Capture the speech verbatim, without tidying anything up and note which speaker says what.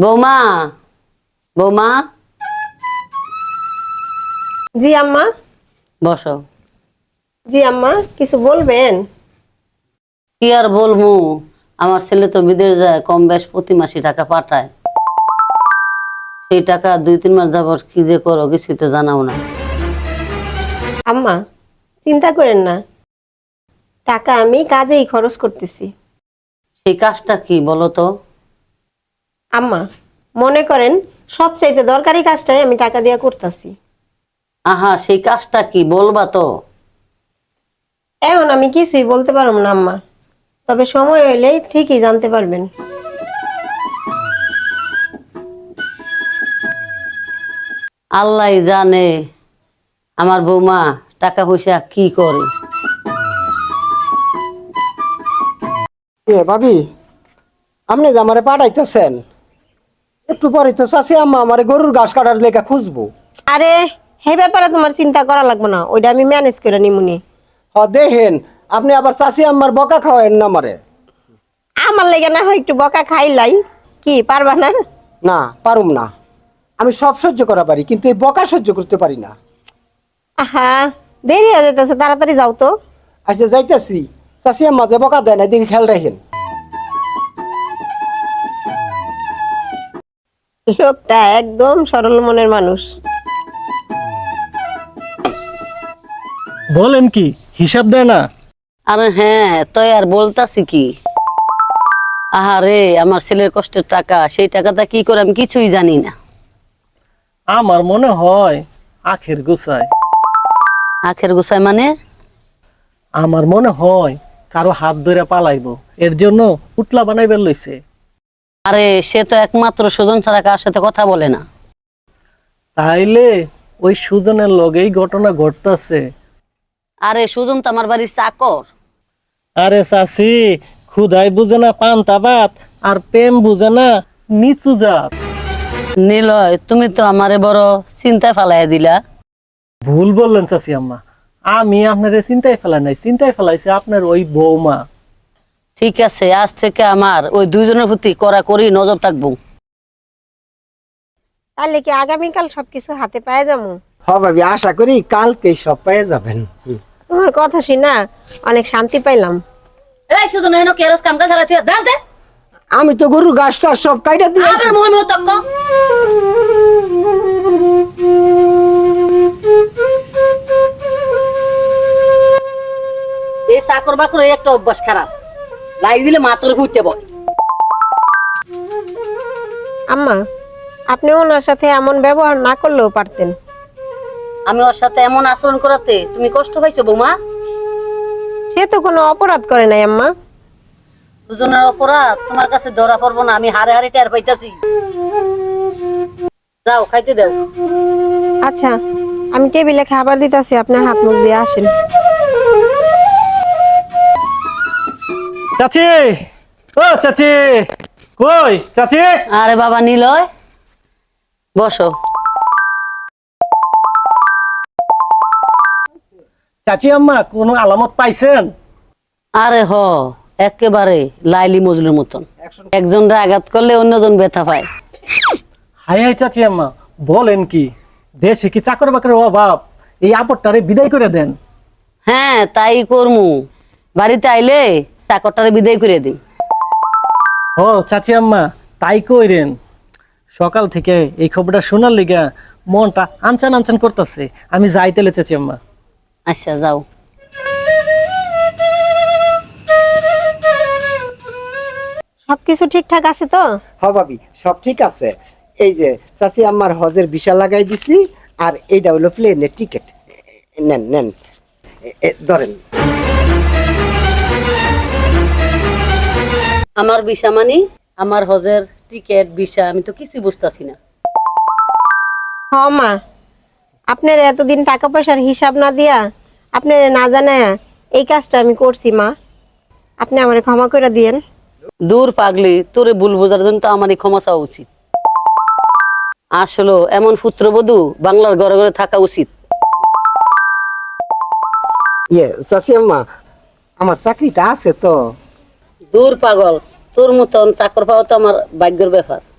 Speaker 1: বৌমা বৌমা
Speaker 2: জি আম্মা।
Speaker 1: বসো।
Speaker 2: জি আম্মা, কিছু বলবেন?
Speaker 1: কি আর বলবো, আমার ছেলে তো বিদেশ যায়, কম বেশ প্রতি মাসে টাকা পাঠায়। সেই টাকা দুই তিন মাস যাবত কি যে করো কিছুই তো জানাও না।
Speaker 2: আম্মা চিন্তা করেন না, টাকা আমি কাজেই খরচ করতেছি।
Speaker 1: সেই কাজটা কি বলো তো?
Speaker 2: আম্মা মনে করেন সবচাইতে দরকারি কাজটাই আমি টাকা দিয়া করতেছি।
Speaker 1: আহা, সেই কাজটা কি বলবা তো?
Speaker 2: এখন আমি কিছুই বলতে পারবো না আম্মা, তবে সময় হইলে ঠিকই জানতে পারবেন।
Speaker 1: আল্লাহ জানে আমার বৌমা টাকা পয়সা কি করে।
Speaker 3: এ ভাবি, আপনি যে আমারে পাঠাইতেছেন, একটু পরে তো চাচি আম্মা আমারে গরুর ঘাস কাটার লেখা খুঁজবো।
Speaker 2: আরে হে ব্যাপারে তোমার চিন্তা করা লাগবে না, ওইটা আমি ম্যানেজ করে নিমুনি।
Speaker 3: হ দেখেন, আপনি আবার চাচি আম্মার বকা খাওয়ায়েন না আমারে।
Speaker 2: আমার লেগে না হয় একটু বকা খাইলাই, কি পারবা না?
Speaker 3: না পারুম না, আমি সব সহ্য করা পারি, কিন্তু এই বকা সহ্য করতে পারি না।
Speaker 2: আহা, দেরি হয়ে যেতেছে, তাড়াতাড়ি যাও তো।
Speaker 3: আচ্ছা যাইতেছি, চাচি আম্মা যে বকা দেয় না এদিকে খেয়াল রাখেন।
Speaker 2: লোকটা একদম সরল মনের মানুষ।
Speaker 4: বলেন কি, হিসাব দেয় না?
Speaker 1: আরে হ্যাঁ, তাই আর বলতাছি কি। আহারে, আমার ছেলের কষ্টের টাকা, সেই টাকাটা কি করে আমি কিছুই জানি না।
Speaker 4: আমার মনে হয় আখের গুছায়।
Speaker 1: আখের গোছায় মানে?
Speaker 4: আমার মনে হয় কারো হাত ধরে পালাইবো, এর জন্য উটলা বানাইবার লইছে।
Speaker 1: আরে সে তো একমাত্র সুজন ছাড়া কার সাথে কথা বলে না।
Speaker 4: তাইলে ওই সুজনের লগেই ঘটনা ঘটতেছে।
Speaker 1: আরে সুজন তো আমার বাড়ির চাকর।
Speaker 4: আরে চাচি, ক্ষুধাই বুঝে না পান্তা ভাত, আর প্রেম বুঝে না নিচু জাত।
Speaker 1: নিলয়, তুমি তো আমারে বড় চিন্তায় ফালাইয়া দিলা।
Speaker 4: ভুল বললেন চাচি আম্মা, আমি আপনার চিন্তায় ফেলাই নাই, চিন্তায় ফেলাইছে আপনার ওই বৌমা।
Speaker 1: ঠিক আছে, আজ থেকে আমার ওই দুইজনের প্রতি কড়া করি নজর থাকবো।
Speaker 2: তাহলে কি আগামীকাল সবকিছু হাতে পায়ে যাবো?
Speaker 3: হ ভাবি, আশা করি কালকেই সব পেয়ে যাবেন। হুম।
Speaker 2: তোমার কথা শুনা অনেক শান্তি পাইলাম।
Speaker 1: এই সুজন, হেন কেরস কাম কাজ চালাতে জানতে
Speaker 3: আমি তো গরুর ঘাসটা সব কাইটা দিয়েছি।
Speaker 1: আবার মুহে মুহে তক্ক। এই চাকর বাকর এই একটা অভ্যাস খারাপ, লাই দিলে মাত্র ফুটতে বয়।
Speaker 2: আম্মা, আপনি ওনার সাথে এমন ব্যবহার না করলেও পারতেন।
Speaker 1: আমি ওর সাথে এমন আচরণ করাতে তুমি কষ্ট পাইছো বৌমা?
Speaker 2: সে তো কোনো অপরাধ করে নাই আম্মা।
Speaker 1: দুজনের অপরাধ তোমার কাছে ধরা পড়বো না, আমি হারে হারে টের পাইতাছি। যাও খাইতে দাও।
Speaker 2: আচ্ছা, আমি টেবিলে খাবার দিতেছি, আপনি হাত মুখ দিয়ে আসেন।
Speaker 4: চাচি, ও চাচি, কই চাচি?
Speaker 1: আরে বাবা নিলয়, বসো।
Speaker 4: চাচি আম্মা কোনো আলামত পাইছেন?
Speaker 1: আরে হ, একেবারে লাইলি মজলুর মতন, একজনরা আঘাত করলে অন্যজন ব্যথা পায়।
Speaker 4: হাই হাই চাচি আম্মা, বলেন কি, দেশে কি চাকর বাকরের অভাব? এই আপদটারে বিদায় করে দেন।
Speaker 1: হ্যাঁ তাই করমু, বাড়িতে আইলে চাকরটারে বিদায় করে দিন।
Speaker 4: ও চাচি আম্মা, তাই কইরেন। সকাল থেকে এই খবরটা শোনার লিগা মনটা আনচান আনচান করতেছে। আমি যাই তাহলে চাচি আম্মা।
Speaker 1: আচ্ছা যাও।
Speaker 2: সবকিছু ঠিকঠাক আছে তো?
Speaker 3: হ ভাবি, সব ঠিক আছে। এই যে চাচি আম্মার হজের ভিসা লাগাই দিছি, আর এইটা হলো প্লেনের টিকিট। নেন নেন, এ- এ, ধরেন।
Speaker 1: আমার ভিসা মানি? আমার হজের টিকিট ভিসা আমি তো কিছুই বুঝতাছি না।
Speaker 2: হ মা, আপনার এতদিন টাকা পয়সার হিসাব না দিয়া, আপনার না জানায় এই কাজটা আমি করছি মা, আপনি আমারে ক্ষমা করে দিয়েন।
Speaker 1: দূর পাগলি, তোরে ভুল বোঝার জন্য তো আমারই ক্ষমা চাওয়া উচিত। আসলে এমন পুত্রবধূ বাংলার ঘরে ঘরে থাকা উচিত।
Speaker 3: ইয়ে চাচি আম্মা, আমার চাকরিটা আছে তো।
Speaker 1: দূর পাগল, তোর মতন চাকর পাওয়া তো আমার ভাগ্যের ব্যাপার।